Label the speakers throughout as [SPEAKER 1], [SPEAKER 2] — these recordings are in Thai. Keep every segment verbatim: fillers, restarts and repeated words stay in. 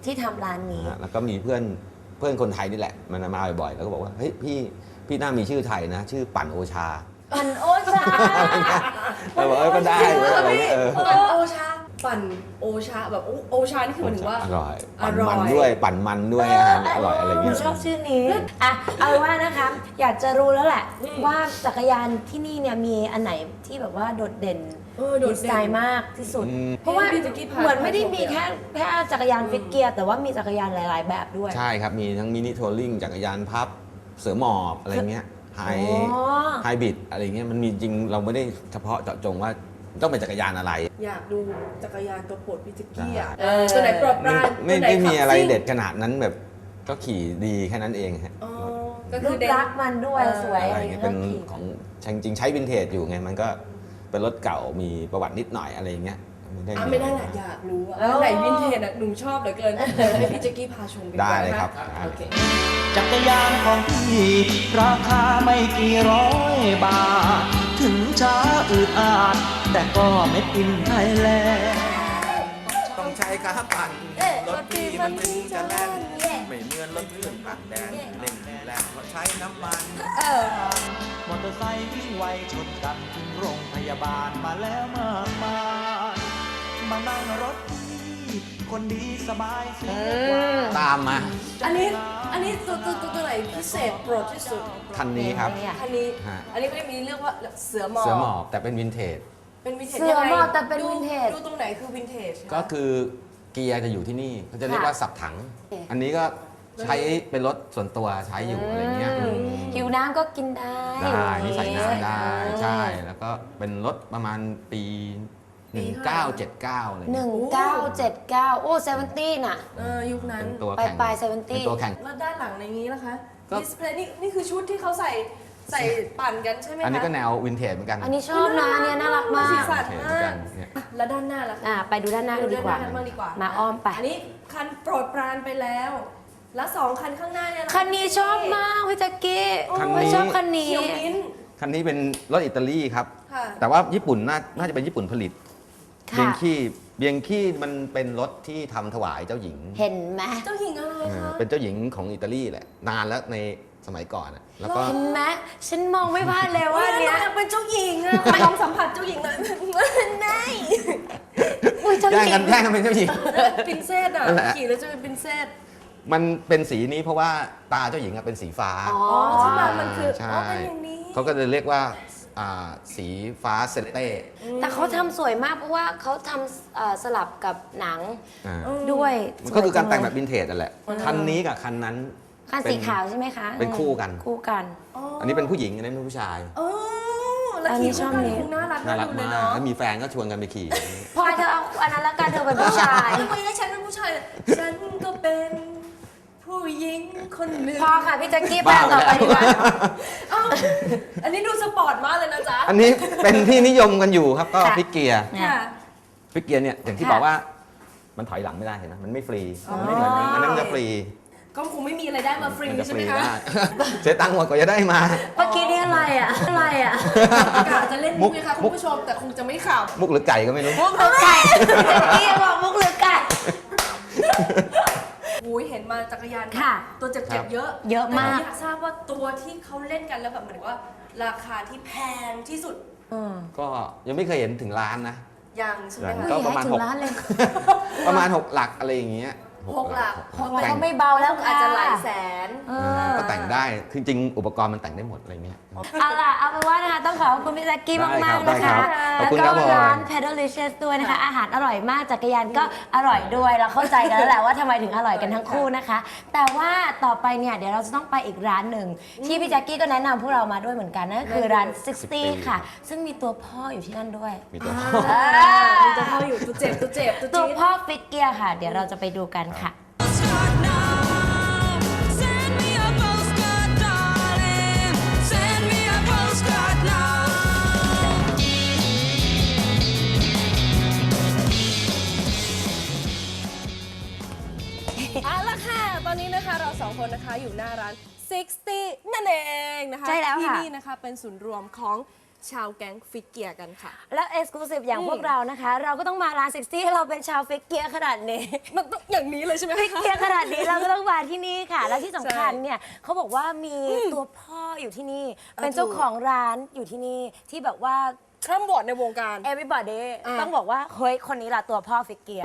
[SPEAKER 1] ที่ทำร้านนี้
[SPEAKER 2] แล้วก็มีเพื่อนเพื่อนคนไทยนี่แหละมันมาบ่อยๆแล้วก็บอกว่าเฮ้ยพี่พี่น่ามีชื่อไทยนะชื่อปั่นโอชา
[SPEAKER 1] ปั่นโอชา
[SPEAKER 2] เราบอกเออก็ได้อะไรเงี้ยเออ
[SPEAKER 3] ปั่นโอชาปั่นโอชาแบบโอชานี่คือหมายถึงว่า
[SPEAKER 2] อร่อยปั่นมันด้วยปั่นมันด้วยอาหารอร่อยอะไรเงี้ย
[SPEAKER 1] ชอบชื่อนี้อ่ะเอาว่านะคะอยากจะรู้แล้วแหละว่าจักรยานที่นี่เนี่ยมีอันไหนที่แบบว่าโดดเด่นดีไซน์มากที่สุดเพราะว่าเหมือนไม่ได้มีแค่แค่จักรยานฟิกเกียร์แต่ว่ามีจักรยานหลายๆแบบด้วย
[SPEAKER 2] ใช่ครับมีทั้งมินิทัวริงจักรยานพับเสือหมอบอะไรเงี้ยไฮไฮบริดอะไรเงี้ยมันมีจริงเราไม่ได้เฉพาะเจาะจงว่าต้องเป็นจักรยานอะไร
[SPEAKER 3] อยากดูจักรยานตัวโปรดพี่แจ็คกี้อ่ะตัวไหนโปรดปราน
[SPEAKER 2] ไม่ไม่มีอะไรเด็ดขนาดนั้นแบบก็ขี่ดีแค่นั้นเองฮะ
[SPEAKER 1] ก็คือรักมันด้วยสวย
[SPEAKER 2] อะไรเงี้ยเป็นของจริงใช้วินเทจอยู่ไงมันก็เป็นรถเก่ามีประวัตินิดหน่อยอะไรเงี้ย
[SPEAKER 3] ไม่ได้ไม่ได้แหละอยากรู้ว่าไหนวินเทจอ่ะหนูชอบเหลือเกินให้พี่แจ็คกี้พาชมกัน
[SPEAKER 2] ได้เลยครับ
[SPEAKER 4] จักรยานของพี่ราคาไม่กี่ร้อยบาทถึงช้าอืดอาดแต่ก็ไม่ปินไทยแลนด์
[SPEAKER 2] ต้องใช้ขาปั่นรถพี่มันถึงจะแล่นไม่เหมือนรถเครื่องปั่นแดนเล่นแรงเพราะใช้น้ำมัน
[SPEAKER 4] มอเตอร์ไซค์วิ่งไวชนกันถึงโรงพยาบาลมาแล้วมากมายมานั่งรถพี่คนดีสบายเสีย
[SPEAKER 2] ตามมา
[SPEAKER 3] อันนี้อันนี้ตัวตัวตัวไหนพิเศษโปรดที่สุด
[SPEAKER 2] คันนี้ครับ
[SPEAKER 3] คันนี้อันนี้ไม่ได้มีเรียกว่าเสือหมอบ
[SPEAKER 2] เสือหมอบแต่เป็นวินเทจ
[SPEAKER 3] เป็นวินเทจ
[SPEAKER 1] เสือหมอบแต่เป็นวินเทจ
[SPEAKER 3] ดูตรงไหนคือวินเทจ
[SPEAKER 2] ก็คือเกียร์จะอยู่ที่นี่เขาจะเรียกว่าสับถังอันนี้ก็ใช้เป็นรถส่วนตัวใช้อยู่อะไรเงี้ย
[SPEAKER 1] หิวน้ำก็กินได้
[SPEAKER 2] ได้นี่ใส่น้ำได้ใช่แล้วก็เป็นรถประมาณปีหนึ่งพันเก้าร้อยเจ็ดสิบเก้าอะไร
[SPEAKER 1] หนึ่งพันเก้าร้อยเจ็ดสิบเก้าโอ้เซเวนตี้น่ะ
[SPEAKER 3] เออยุคนั้น
[SPEAKER 2] ตัว
[SPEAKER 1] แข่งปลายเซเวน
[SPEAKER 2] ตี้ตัวแข่ง
[SPEAKER 3] แล้วด้านหลังในนี้นะคะดิสเพลย์นี่นี่คือชุดที่เขาใส่ใส่ปั่นกันใช่ไหมคะ
[SPEAKER 2] อันนี้ก็แนววินเทจเหมือนกัน
[SPEAKER 1] อันนี้ชอบนะเนี่ยน่ารักมาก
[SPEAKER 3] สีสันมากแล้วด้านหน้าล่ะ
[SPEAKER 1] อ่าไปดูด้านหน้ากันดีกว่ามาอ้อมไป
[SPEAKER 3] อันนี้คันโปรดปรานไปแล้วแล้วสองคันข้างหน้าเนี่ย
[SPEAKER 1] คันนี้ชอบมากพี่แจ็คกี้ชอบคันนี้
[SPEAKER 2] คันนี้เป็นรถอิตาลีครับแต่ว่าญี่ปุ่นน่าจะเป็นญี่ปุ่นผลิตเบียงคี้เบียงคี้มันเป็นรถที่ทำถวายเจ้าหญิง
[SPEAKER 1] เห็นไหม
[SPEAKER 3] เจ้าหญิงอะไรคะ
[SPEAKER 2] เป็นเจ้าหญิงของอิตาลีแหละนานแล้วในสมัยก่อนแล้วก็
[SPEAKER 1] เห็นไหมฉันมองไม่พลาดเลยว่าเนี้ย
[SPEAKER 3] เป็นเจ้าหญิงอะลองสัมผัสเจ้าหญิงหน่อยไม่
[SPEAKER 2] แย่งกันแย่งกันเป็นเจ้าหญิง
[SPEAKER 3] ปรินเซสอะขี่แล้วจะเป็นปรินเซส
[SPEAKER 2] มันเป็นสีนี้เพราะว่าตาเจ้าหญิงเป็นสีฟ้า
[SPEAKER 3] อ๋อใช่ไหมมันคืออ๋อเป็นอย่างนี้
[SPEAKER 2] เขาก็เลยเรียกว่าสีฟ้าเซเลเต้
[SPEAKER 1] แต่เขาทำสวยมากเพราะว่าเขาทำสลับกับหนังด้วย
[SPEAKER 2] ก็คือการแต่งแบบวินเทจนั่นแหละคันนี้กับคันนั้น
[SPEAKER 1] คันสีขาวใช่ไหมคะ
[SPEAKER 2] เป็นคู่กัน
[SPEAKER 1] คู่กัน
[SPEAKER 2] อันนี้เป็นผู้หญิงอันนี้เป็นผู้ชาย
[SPEAKER 3] แล้วขี่ชอบนี้น่ารัก
[SPEAKER 2] น่ารักมากแล้วมีแฟนก็ชวนกันไปขี่
[SPEAKER 1] พอเธอเอาอันนั้นละกันเธอเป็นผู้ชาย
[SPEAKER 3] ทำไมให้ฉันเป็นผู้ชายฉันก็เป็นผู้หญิงคนหนึ่ง
[SPEAKER 1] พอค่ะพี่แจ็คกี้ไปต่อไปดีกว่า
[SPEAKER 3] อันนี้ดูสปอร์ตมากเลยนะจ๊ะ
[SPEAKER 2] อันนี้เป็นที่นิยมกันอยู่ครับก็ฟิกเกียร์ฟิกเกียร์เนี่ยอย่างที่บอกว่ามันถอยหลังไม่ได้เห็นไหมมันไม่ฟรีไม่เหมือนอันนั้นจะฟรี
[SPEAKER 3] ก็คงไม่มีอะไรได้มาฟรีใช่ไหมคะ
[SPEAKER 2] เสียตังค์หมดกว่าจะได้มา
[SPEAKER 1] เมื่อกี้นี่อะไรอ่ะอะไรอ่ะ
[SPEAKER 3] กะจะเล่นมุกนะคะคุณผู้ชมแต่คงจะไม่ข่าว
[SPEAKER 2] มุกหรือไก่ก็ไม่รู้
[SPEAKER 1] มุกหรือไก่แจ็คกี้บอกมุกหรือไก่
[SPEAKER 3] อุ้ยเห็นมาจักรยาน
[SPEAKER 1] ค่ะ
[SPEAKER 3] ตัวเจ็บๆเยอะ
[SPEAKER 1] เยอะมาก
[SPEAKER 3] อยากทราบว่าตัวที่เขาเล่นกันแล้วแบบเหมือนว่าราคาที่แพงที่สุด
[SPEAKER 2] ก็ยังไม่เคยเห็นถึงล้านนะ
[SPEAKER 3] ยังใช่ไหมคะ
[SPEAKER 2] ก็ประมาณหกประมาณหกหลักอะไรอย่างเงี้ย
[SPEAKER 3] หกหลัก
[SPEAKER 1] หกหลักก็ไม่เบาแล้ว
[SPEAKER 3] อาจจะหลายแสน
[SPEAKER 2] ก็แต่งได้จริงๆอุปกรณ์มันแต่งได้หมดอะไรเงี้ย
[SPEAKER 1] เอาล่ะเอาเป็นว่านะคะต้องขอบคุณพี่แจ็คกี้มากๆนะคะแล้วก็ร้าน Pedalicious ด้วยนะคะอาหารอร่อยมากจักรยานก็อร่อยด้วยเราเข้าใจกันแล้วแหละว่าทำไมถึงอร่อยกันทั้งคู่นะคะแต่ว่าต่อไปเนี่ยเดี๋ยวเราจะต้องไปอีกร้านหนึ่งที่พี่แจ็คกี้ก็แนะนำพวกเรามาด้วยเหมือนกันนั่นคือร้านซิกตี้ค่ะซึ่งมีตัวพ่ออยู่ที่นั่นด้วย
[SPEAKER 2] มีตัวพ่อ
[SPEAKER 3] มีตัวพ่ออยู่ตัวเจ็บตัวเจ็บ
[SPEAKER 1] ตัวพ่อฟิกเกียร์ค่ะเดี๋ยวเราจะไปดูกันค่ะ
[SPEAKER 3] เอาละค่ะตอนนี้นะคะเราสองคนนะคะอยู่หน้าร้าน ซิกตี้ นั่นเองนะคะ
[SPEAKER 1] ใช่แล้วค่ะ
[SPEAKER 3] ที่นี่นะคะเป็นศูนย์รวมของชาวแก๊งฟิกเกียร์กันค่ะ
[SPEAKER 1] และเอ็กซ์คลูซีฟอย่าง
[SPEAKER 3] อืม
[SPEAKER 1] พวกเรานะคะ เราก็ต้องมาร้านเซ็กซี่ให้เราเป็นชาวฟิกเกียร์ขนาดนี้
[SPEAKER 3] มันต้องอย่างนี้เลยใช่ไหม
[SPEAKER 1] ฟิกเกียร์ขนาดนี้เราก็ต้องมาที่นี่ค่ะ แล้วที่สำคัญ
[SPEAKER 3] ใช่
[SPEAKER 1] เนี่ยเขาบอกว่ามีตัวพ่ออยู่ที่นี่ เป็นเจ้าของร้านอยู่ที่นี่ที่แบบว่า
[SPEAKER 3] คร่ำวอดในวงการ
[SPEAKER 1] everybody
[SPEAKER 3] อ่ะ
[SPEAKER 1] ต้องบอกว่าเฮ้ยคนนี้ล่ะตัวพ่อฟิกเกียร์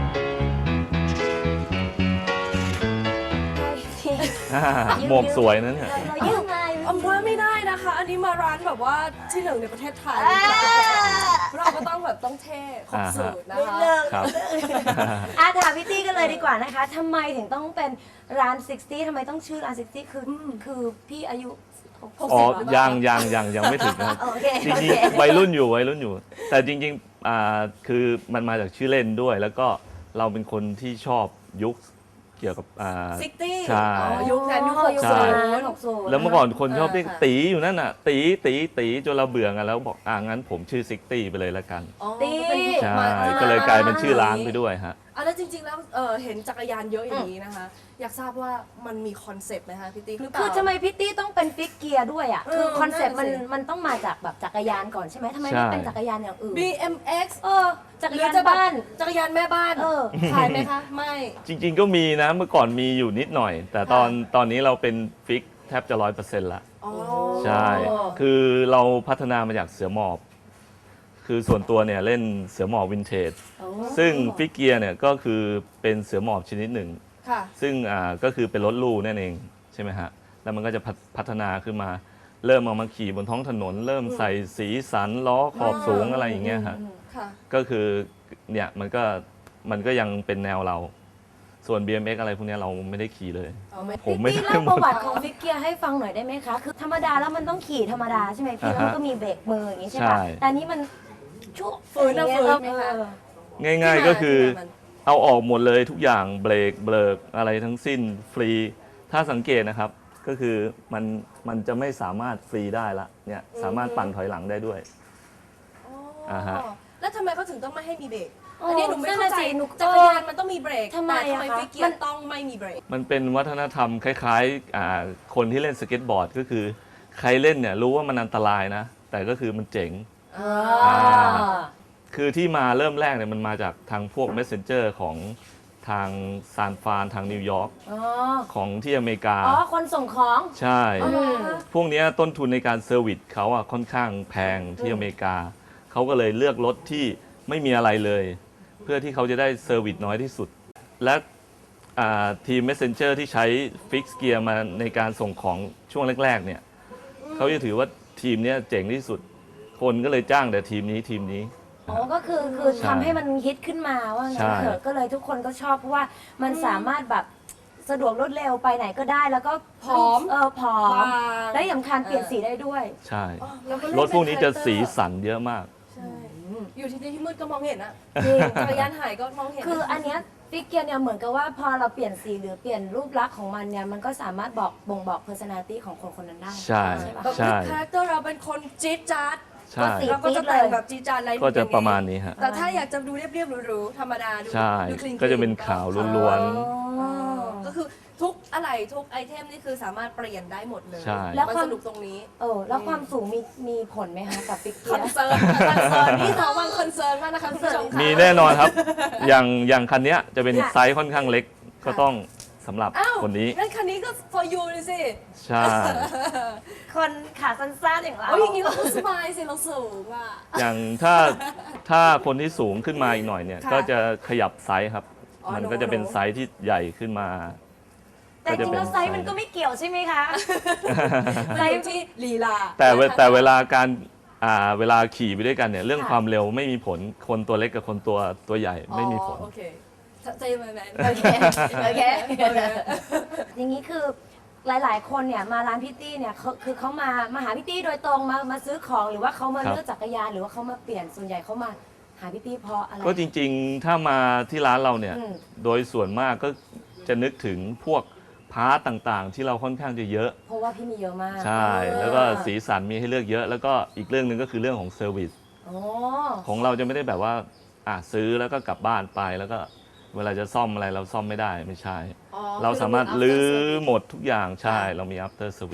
[SPEAKER 5] หมวกสวยนะเนี่ย
[SPEAKER 1] เรายืมไง
[SPEAKER 3] อำว่าไม่ได้นะคะ อันนี้มาร้านแบบว่าที่หนึ่งในประเทศไทย เราก็ต้องแบบต้องเท่ครบสูตรนะคะ
[SPEAKER 5] ครับ
[SPEAKER 1] อาถามพี่ตี้กันเลยดีกว่านะคะทำไมถึงต้องเป็นร้านซิกตี้ทำไมต้องชื่อร้านซิกตี้คือคือพี่อายุหก
[SPEAKER 5] อ๋อ
[SPEAKER 1] สิบหรือเปล่า
[SPEAKER 5] ยังยังยังยังไม่ถึงนะครับ
[SPEAKER 1] โอเค
[SPEAKER 5] จริง
[SPEAKER 1] โอเค
[SPEAKER 5] ๆวัยรุ่นอยู่วัยรุ่นอยู่ แต่จริงๆอ่าคือมันมาจากชื่อเล่นด้วย แล้วก็เราเป็นคนที่ชอบยุคเกี่ยวกับอ่า
[SPEAKER 3] ซิกตี้
[SPEAKER 5] ใช่
[SPEAKER 3] ยุคนั้นยุคหก
[SPEAKER 5] ใช่
[SPEAKER 3] ศูนย์
[SPEAKER 1] หกศูนย์
[SPEAKER 5] แล้วเมื่อก่อนคนชอบเรียก
[SPEAKER 3] อ่าค่ะ
[SPEAKER 5] ตีอยู่นั่นน่ะตีตีตีจนเราเบื่อกันแล้วบอกอ่างั้นผมชื่อซิกตี้ไปเลยละกัน
[SPEAKER 3] อ๋อ
[SPEAKER 1] ตี
[SPEAKER 3] เป็นยุค
[SPEAKER 5] ใช่
[SPEAKER 3] มา
[SPEAKER 5] ก็เลยกลายเป็นชื่อร้านไปด้วยฮะ
[SPEAKER 3] อ่ะแล้วจริงๆแล้วเอ่อเห็นจักรยานเยอะอย่างนี้นะคะ อยากทราบว่ามันมีคอนเซปต์ไหมคะพี่ติ๊กหรือเปล่า
[SPEAKER 1] คือทำไมพี่ตี้ต้องเป็นฟิกเกียร์ด้วยอ่ะ
[SPEAKER 3] เออ
[SPEAKER 1] คือคอนเซ็ปต์มัน
[SPEAKER 3] นั่นน่ะสิ
[SPEAKER 1] มันต้องมาจากแบบจักรยานก่อนใช่ไหมทำไม
[SPEAKER 5] ใช่
[SPEAKER 1] ไม่เป็นจักรยานอย่างอื่น
[SPEAKER 3] บี เอ็ม เอ็กซ์
[SPEAKER 1] เออจักราน
[SPEAKER 3] หรือยจะแบบ
[SPEAKER 1] บ้าน
[SPEAKER 3] จักรยานแม่บ้าน
[SPEAKER 1] เออ
[SPEAKER 3] ขายไหมคะ ไม่
[SPEAKER 5] จริง ๆ ก็มีนะเมื่อก่อนมีอยู่นิดหน่อย แต่ตอนตอนนี้เราเป็นฟิกแทบจะร้อยเปอร์เซ็นต์ละ
[SPEAKER 3] อ๋อ
[SPEAKER 5] ใช่ คือเราพัฒนามาจากเสือหมอบ คือส่วนตัวเนี่ยเล่นเสือหมอบวินเทจ ซึ่งฟิกเกียร์เนี่ยก็คือเป็นเสือหมอบชนิดหนึ่ง
[SPEAKER 3] ค่ะ
[SPEAKER 5] ซึ่งอ่าก็คือเป็นรถลู่นั่นเองใช่ไหมฮะ แล้วมันก็จะพัฒพัฒนาขึ้นมา เริ่มเอามาขี่บนท้องถนน เริ่มใส่สีสันล้อขอบสูงอะไรอย่างเงี้ยฮะ
[SPEAKER 3] ค่ะ
[SPEAKER 5] ก็คือเนี่ยมันก็มันก็ยังเป็นแนวเรา ส่วน บี เอ็ม เอ็กซ์ อะไรพวกเนี้ยเราไม่ได้ขี่เลย
[SPEAKER 3] เอาไหม
[SPEAKER 5] ผมไม่
[SPEAKER 1] พี่
[SPEAKER 5] ได้
[SPEAKER 1] เล่าประวัติของฟิกเกียร์ให้ฟังหน่อยได้ไหมคะ คือธรรมดาแล้วมันต้องขี่ธรรมดาใช่ไหมพี่แล้วมันก็มีเบรกมืออย่างงี้ใช่ปะ
[SPEAKER 5] ใช่
[SPEAKER 1] แต่อันนี้มันชั่ว
[SPEAKER 3] ฝืนนะฝืนไหมคะ
[SPEAKER 1] เออ
[SPEAKER 5] ง่ายๆก็คือ
[SPEAKER 3] ที่มาที่มามัน
[SPEAKER 5] เอาออกหมดเลยทุกอย่างเบรกเบิกอะไรทั้งสิ้นฟรี ถ้าสังเกตนะครับ ก็คือมันมันจะไม่สามารถฟรีได้ละเนี่ยสามารถปั่นถอยหลังได้ด้วย
[SPEAKER 3] อ๋อ
[SPEAKER 5] อ่าฮะ
[SPEAKER 3] แล้วทำไมเขาถึงต้องไม่ให้มีเบรก
[SPEAKER 1] โอ้
[SPEAKER 3] อันนี้หนูไม่เข้าใจ
[SPEAKER 1] นั่นน่ะสิหนู
[SPEAKER 3] จักรยานมันต้องมีเบรก
[SPEAKER 1] ทำไม
[SPEAKER 3] แต่ทำไม
[SPEAKER 1] อะคะ
[SPEAKER 3] ฟิกเกีย
[SPEAKER 1] มัน
[SPEAKER 3] ร์ต้องไม่มีเบรก
[SPEAKER 5] มันเป็นวัฒนธรรมคล้ายๆอ่าคนที่เล่นสเก็ตบอร์ดก็คือ ใครเล่นเนี่ยรู้ว่ามันอันตรายนะ แต่ก็คือมันเจ๋ง
[SPEAKER 1] อ่า
[SPEAKER 5] คือที่มาเริ่มแรกเนี่ยมันมาจากทางพวก messenger ของทางซานฟรานทางนิวยอร์ก
[SPEAKER 1] อ๋อ
[SPEAKER 5] ของที่อเมริกา
[SPEAKER 1] อ๋อ คนส่งของ
[SPEAKER 5] ใช่
[SPEAKER 1] อืม
[SPEAKER 5] พวกเนี้ยต้นทุนในการเซอร์วิสเขาอะค่อนข้างแพงที่อเมริกา เขาก็เลยเลือกรถที่ไม่มีอะไรเลย เพื่อที่เขาจะได้เซอร์วิสน้อยที่สุด และอ่าทีม messenger ที่ใช้ฟิกเกียร์มาในการส่งของช่วงแรกๆเนี่ยเขาจะถือว่าทีมเนี้ยเจ๋งที่สุด คนก็เลยจ้างแต่ทีมนี้ทีมนี้
[SPEAKER 1] อ๋อ ก็คือคือ
[SPEAKER 5] ใช่
[SPEAKER 1] ทำให้มันฮิตขึ้นมาว่างั้น
[SPEAKER 5] ใช่
[SPEAKER 1] เถอะก็เลยทุกคนก็ชอบเพราะว่ามันสามารถแบบสะดวกรวดเร็วไปไหนก็ได้ แล้วก็
[SPEAKER 3] ผอม
[SPEAKER 1] เออผอม
[SPEAKER 3] บาง
[SPEAKER 1] และที่สำคัญเปลี่ยนสีได้ด้วย
[SPEAKER 5] ใช่
[SPEAKER 3] อ๋อแล้วเล่
[SPEAKER 5] รถพวกนี้จะ
[SPEAKER 3] เป็
[SPEAKER 5] สี
[SPEAKER 3] คาแรคเตอร์
[SPEAKER 5] สันเยอะมาก
[SPEAKER 3] ใช่อยู่ที่ที่มืดก็มองเห็นอะ
[SPEAKER 1] จริง
[SPEAKER 3] จักรยานหายก็มองเห็น
[SPEAKER 1] คืออันเนี้ยฟิกเกียร์เนี่ยเหมือนกับว่าพอเราเปลี่ยนสีหรือเปลี่ยนรูปลักษณ์ของมันเนี่ยมันก็สามารถบอกบ่งบอก personality ของคนคนนั้นได้
[SPEAKER 5] ใช่
[SPEAKER 1] ปะ
[SPEAKER 3] แบบ
[SPEAKER 5] ใช่
[SPEAKER 3] คาแรคเตอร์เราเป็นคนจี๊ดจ๊าด
[SPEAKER 5] ใช่
[SPEAKER 1] สี
[SPEAKER 3] เราก็จะแต่งแบบจี๊ดจ๊าดอะไร
[SPEAKER 5] ก็จะประมาณนี้ฮะ
[SPEAKER 3] แต่ถ้าอยากจะดูเรียบๆหรูๆธรรมดาดู
[SPEAKER 5] ใช่
[SPEAKER 3] ดูคลีนๆ
[SPEAKER 5] ก็จะเป็นขาวล้วน
[SPEAKER 1] อ๋อ
[SPEAKER 3] ก็คือทุกอะไรทุกไอเทมนี่คือสามารถเปลี่ยนได้หมดเลย
[SPEAKER 5] ใช่
[SPEAKER 1] แล้ว
[SPEAKER 3] มัน
[SPEAKER 1] ความ
[SPEAKER 3] สนุกตรงนี้
[SPEAKER 1] เออแล้วความสูงมีมีผลไหมคะกับฟิกเกี
[SPEAKER 3] ค
[SPEAKER 1] ย
[SPEAKER 3] อน
[SPEAKER 1] ร์
[SPEAKER 3] เซิร์นคอนเซิร์นนี่เขาวางคอนเซิร์นมากนะคะคุณผู้ชมค่ะ
[SPEAKER 5] มีแน่นอนครับ อย่างอย่างคันเนี้ยจะเป็น
[SPEAKER 1] ค่ะ
[SPEAKER 5] ไซส์ค่อนข้างเล็ก ก็ต้องสำหรับ
[SPEAKER 3] อ้าว
[SPEAKER 5] คนนี้
[SPEAKER 3] งั้นคันนี้ก็ for you เลยสิ
[SPEAKER 5] ใช่
[SPEAKER 1] คนขาสั้นๆอย่างเรา
[SPEAKER 3] โอ้ยอย่างนี้เราก็สบายสิเราสูงอ่ะ
[SPEAKER 5] อย่างถ้าถ้าคนที่สูงขึ้นมาอีกหน่อยเนี่ย
[SPEAKER 3] ค่ะ
[SPEAKER 5] ก็จะขยับไซส์ครับ
[SPEAKER 3] อ๋อ
[SPEAKER 5] มัน
[SPEAKER 3] โน้
[SPEAKER 5] ก็จะเป็น
[SPEAKER 3] โน้
[SPEAKER 5] ไซส์ที่ใหญ่ขึ้นมา
[SPEAKER 1] แต่จริงๆแล้วไซส์มันก็ไม่เกี่ยวใช่ไหมคะ
[SPEAKER 3] มันอยู่ที่ลีลา
[SPEAKER 5] แต่เว
[SPEAKER 3] นะคะ
[SPEAKER 5] แต่เวลาการอ่าเวลาขี่ไปด้วยกันเนี่ยเรื่อง
[SPEAKER 1] ค่ะ
[SPEAKER 5] ความเร็วไม่มีผลคนตัวเล็กกับคนตัวตัวใหญ่ไม่มีผล
[SPEAKER 3] อ๋อโอเคใจเย็นๆ
[SPEAKER 1] โอเค โอเค
[SPEAKER 3] โอเค
[SPEAKER 1] อย่างนี้คือหลาย ๆ คนเนี่ยมาร้านพี่ตี้เนี่ยเขาคือเขามามาหาพี่ตี้โดยตรงมามาซื้อของหรือว่าเขามา
[SPEAKER 5] ครับ
[SPEAKER 1] เลือกจักรยานหรือว่าเขามาเปลี่ยนส่วนใหญ่เขามาหาพี่ตี้เพราะอะไร
[SPEAKER 5] ก็จริงๆ ถ้ามาที่ร้านเราเนี่ย
[SPEAKER 1] อืม
[SPEAKER 5] โดยส่วนมากก็จะนึกถึงพวกพาร์ตต่างๆ ที่เราค่อนข้างจะเยอะ
[SPEAKER 1] เพราะว่าพี่มีเยอะมาก
[SPEAKER 5] ใช่ แล้วก็สีสันมีให้เลือกเยอะ แล้วก็อีกเรื่องหนึ่งก็คือเรื่องของเซอร์วิส
[SPEAKER 1] โอ้
[SPEAKER 5] ของเราจะไม่ได้แบบว่าอ่ะซื้อแล้วก็กลับบ้านไปแล้วก็เวลาจะซ่อมอะไรเราซ่อมไม่ได้ไม่ใช่
[SPEAKER 3] อ๋อ
[SPEAKER 5] เราสามารถ
[SPEAKER 3] คือ
[SPEAKER 5] ลื้อ
[SPEAKER 3] after service
[SPEAKER 5] หมดทุกอย่างใช่เรามี after service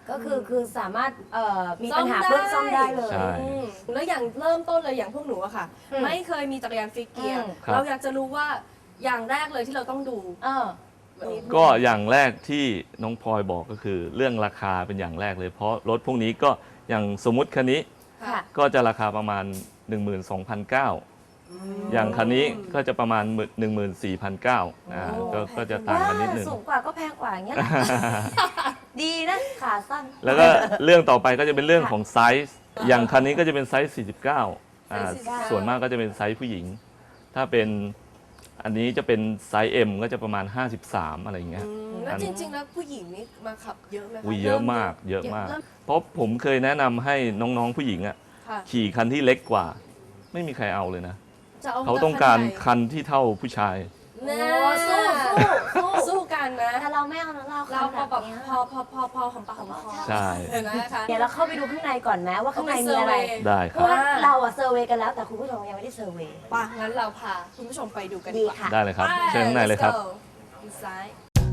[SPEAKER 1] ก็คือคือสามารถเอ่อมีปัญหาเพิ่มซ่อมได้เลย
[SPEAKER 5] ใช่
[SPEAKER 3] อืมแล้วอย่างเริ่มต้นเลยอย่างพวกหนูอะค่ะ
[SPEAKER 1] อืม
[SPEAKER 3] ไม่เคยมีจักรยานฟิกเกียร์
[SPEAKER 1] อืม
[SPEAKER 5] ครับ
[SPEAKER 3] เราอยากจะรู้ว่าอย่างแรกเลยที่เราต้องดู
[SPEAKER 1] เออ
[SPEAKER 3] วันนี้
[SPEAKER 5] ก็อย่างแรกที่น้องพลอยบอกก็คือเรื่องราคาเป็นอย่างแรกเลย เพราะรถพวกนี้ก็อย่างสมมุติคันนี้
[SPEAKER 1] ค่ะ
[SPEAKER 5] ก็จะราคาประมาณ หนึ่งหมื่นสองพันเก้าร้อย อย่างคันนี้ก็จะประมาณ หนึ่งหมื่นสี่พันเก้าร้อย อ่าก็ก็จะต่างกันนิดนึง
[SPEAKER 1] สูงกว่าก็แพงกว่าอย่างเงี้ยแหละ ดีนะขาสั้น
[SPEAKER 5] แล้วก็เรื่องต่อไปก็จะเป็นเรื่องของไซส์ อย่างคันนี้ก็จะเป็นไซส์ สี่สิบเก้า อ่า
[SPEAKER 3] ไซส์สี่สิบเก้า
[SPEAKER 5] ส่วนมากก็จะเป็นไซส์ผู้หญิง ถ้าเป็นอันนี้จะเป็นไซส์ M ก็จะประมาณ ห้าสิบสาม อะไรอย่างเงี้ย
[SPEAKER 3] อืมแล้วจริง ๆ แล้วผู้หญิงนี่มาขับเยอะไหมคะ
[SPEAKER 5] อุ้ยเยอะมาก เยอะมาก
[SPEAKER 3] เริ่
[SPEAKER 5] เพราะผมเคยแนะนำให้น้องๆผู้หญิงอ่ะ
[SPEAKER 3] ค่ะ
[SPEAKER 5] ขี่คันที่เล็กกว่า ไม่มีใครเอาเลยนะ
[SPEAKER 3] จะเอา
[SPEAKER 5] เขาต้องการ
[SPEAKER 3] คั
[SPEAKER 5] คันที่เท่าผู้ชาย
[SPEAKER 3] น
[SPEAKER 1] โอ้สู้สู้สู้
[SPEAKER 3] สู้กันนะ
[SPEAKER 1] แต่เราไม่เอานะเรา
[SPEAKER 3] เรา
[SPEAKER 1] ข
[SPEAKER 3] พอ
[SPEAKER 1] นาด
[SPEAKER 3] แบบ
[SPEAKER 1] เนี้ย
[SPEAKER 3] พอพอพอพอของปากของคอ
[SPEAKER 5] ใช่
[SPEAKER 3] เห็นไหมคะ
[SPEAKER 1] เดี๋ยวเราเข้าไปดูข้างในก่อนไหมว่าข้างในมีอะไร
[SPEAKER 5] ได้
[SPEAKER 1] เพ
[SPEAKER 5] ครั
[SPEAKER 1] ราะ
[SPEAKER 5] บ
[SPEAKER 1] ว่าเราอะเซอร์เวย์กันแล้วแต่คุณผู้ชมยังไม่ได้เซอร์เวย์
[SPEAKER 3] ป่ะงั้นเราพาคุณผู้ชมไปดูกัน
[SPEAKER 1] ดี
[SPEAKER 3] ดีกว่า
[SPEAKER 1] ค่ะ
[SPEAKER 5] ได้เลยครับ
[SPEAKER 3] ไป
[SPEAKER 5] เชิญข้างในเลยครับ
[SPEAKER 3] let's go ดูซ้าย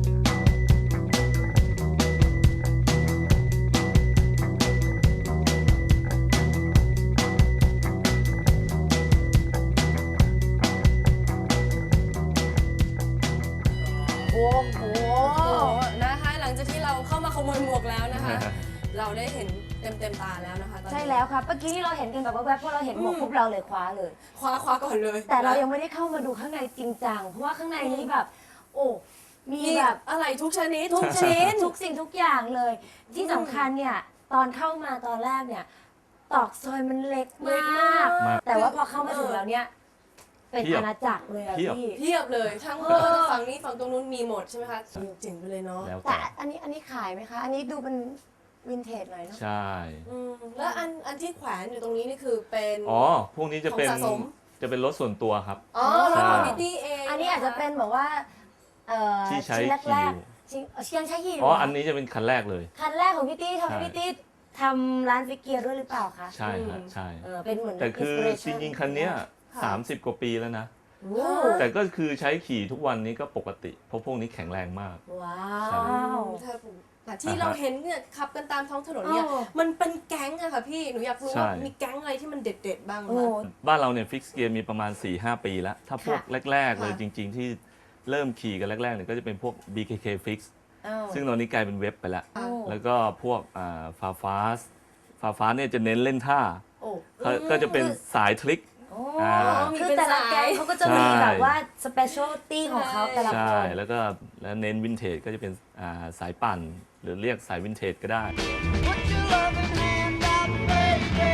[SPEAKER 3] โอ้โหนะคะหลังจากที่เราเข้ามาขโมยหมวกแล้วนะคะ เราได้เห็นเต็มเต็มๆตาแล้วนะคะตอนนี้
[SPEAKER 1] ใช่แล้วครับเมื่อกี้ที่เราเห็นกันแบบแวบๆพอเราเห็นหมวกปุ๊บเราเลยคว้าเลย
[SPEAKER 3] คว้าคว้าก่อนเลย
[SPEAKER 1] แต่เรายังไม่ได้เข้ามาดูข้างในจริงจังเพราะว่าข้างในนี้แบบ โอ้มี
[SPEAKER 3] มี
[SPEAKER 1] แบบ
[SPEAKER 3] อะไรทุกชนิด
[SPEAKER 1] ทุกชิ้นทุกสิ่งทุกอย่างเลย ที่สำคัญเนี่ยตอนเข้ามาตอนแรกเนี่ยตอกซอยมันเล็ก
[SPEAKER 3] เล็ก
[SPEAKER 1] มาม
[SPEAKER 3] าก ก
[SPEAKER 1] แต่ว่าพอเข้ามาถึงแล้วเนี่ย เป็น
[SPEAKER 5] เพียบ
[SPEAKER 1] อาณาจักรเลยอะ
[SPEAKER 5] เพียบ
[SPEAKER 1] พี่
[SPEAKER 3] เทียบเลยทั้ง
[SPEAKER 1] เออ
[SPEAKER 3] ฝั่งนี้ฝั่งตรงนู้นมีหมดใช่ไหมคะเจ๋งๆไปเลยเนาะ
[SPEAKER 5] แล้ว
[SPEAKER 1] แต่
[SPEAKER 5] แต่
[SPEAKER 1] อันนี้อันนี้ขายไหมคะ อันนี้ดูเป็นวินเทจหน่อยเนาะ
[SPEAKER 5] ใช่
[SPEAKER 3] อืมแล้วอันอันที่แขวนอยู่ตรงนี้นี่คือเป็น
[SPEAKER 5] อ๋อ พวกนี้จะเป็น
[SPEAKER 3] ของสะสม
[SPEAKER 5] จะเป็นรถส่วนตัวครับ
[SPEAKER 3] อ๋อรถของพิตตี้เอง
[SPEAKER 1] อันนี้อาจจะเป็นแบบว่าเอ่อ
[SPEAKER 5] ที่ใช้
[SPEAKER 1] ชิ้น
[SPEAKER 5] ขี่
[SPEAKER 1] แร
[SPEAKER 5] อก ยู่
[SPEAKER 1] ๆชิ้นเออยังใช้ขี่ยู่
[SPEAKER 5] อ๋อ
[SPEAKER 1] เหร
[SPEAKER 5] อันนี้จะเป็นคันแรกเลย
[SPEAKER 1] คันแรกของพี่ตี้ทำให้
[SPEAKER 5] ใช่
[SPEAKER 1] พี่ตี้ทำร้านฟิกเกียร์ด้วยหรือเปล่าคะ
[SPEAKER 5] ใช่ฮะใช่
[SPEAKER 1] เออเป็นเหมือน
[SPEAKER 5] แต่คือจ
[SPEAKER 1] inspiration
[SPEAKER 5] ริงๆ คันเนี้ยสามสิบกว่าปีแล้วนะ
[SPEAKER 1] โอ้
[SPEAKER 5] แต่ก็คือใช้ขี่ทุกวันนี้ก็ปกติ เพราะพวกนี้แข็งแรงมาก
[SPEAKER 1] ว้า
[SPEAKER 5] ใช่
[SPEAKER 1] ว
[SPEAKER 3] ใช่ผมแต่ที่เราเห็นเนี่ยขับกันตามท้องถนนเนี่ย
[SPEAKER 1] เออ
[SPEAKER 3] มันเป็นแก๊งอะค่ะพี่หนูอยากรู้
[SPEAKER 5] ใช่
[SPEAKER 3] ว่ามีแก๊งอะไรที่มันเด็ดๆบ้างไหม
[SPEAKER 1] โอ้
[SPEAKER 3] คะ
[SPEAKER 5] บ้านเราเนี่ยฟิกเกียร์มีประมาณ สี่ห้า ปีแล้ว ถ้าพวก
[SPEAKER 1] ค่ะ
[SPEAKER 5] แรก ๆ เลย
[SPEAKER 3] ค่ะ
[SPEAKER 5] จริง ๆ ที่เริ่มขี่กันแรก ๆ เนี่ยก็จะเป็นพวก บี เค เค Fix
[SPEAKER 1] เอ้า
[SPEAKER 5] ซึ่งตอนนี้กลายเป็นเว็บไปแล้ว
[SPEAKER 1] โอ้
[SPEAKER 5] แล้วก็พวกฟาฟาสฟาฟาสเนี่ยจะเน้นเล่นท่า
[SPEAKER 1] โอ้
[SPEAKER 5] เขาก็จะเป็นสายทริค
[SPEAKER 1] โอ้
[SPEAKER 5] อ่า
[SPEAKER 1] คือแต่ละแก๊งเขาก็จะมี
[SPEAKER 5] ใช่
[SPEAKER 1] แบบว่าสเปเชียลตี้ของเขาแต่ละค
[SPEAKER 5] ใช่
[SPEAKER 1] น
[SPEAKER 5] แล้วก็แล้วเน้นวินเทจก็จะเป็นอ่าสายปั่น หรือเรียกสายวินเทจก็ได้
[SPEAKER 4] Put your loving hand out, baby.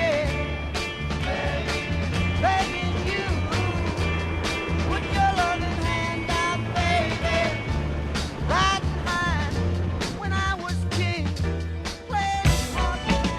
[SPEAKER 4] Begging you. Put your loving hand out, baby. Like mine when I was king. Playing hard.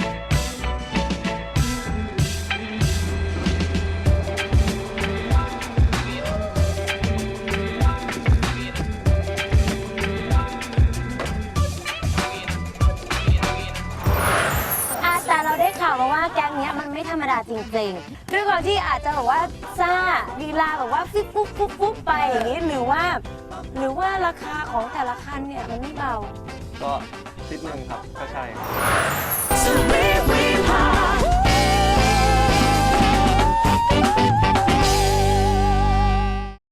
[SPEAKER 1] อาแต่เราได้ข่าวมาว่าแก๊งเนี้ยมันไม่ธรรมดาจริงๆด้วยความที่อาจจะแบบว่าซ่าลีลาแบบว่าฟิบปุ๊บปุ๊บปุ๊บไปอย่างนี้หรือว่า หรือว่าราคาของแต่ละคันเนี่ยมันไม่เบา
[SPEAKER 6] ก็นิดนึงครับ ก็ใช่
[SPEAKER 3] So we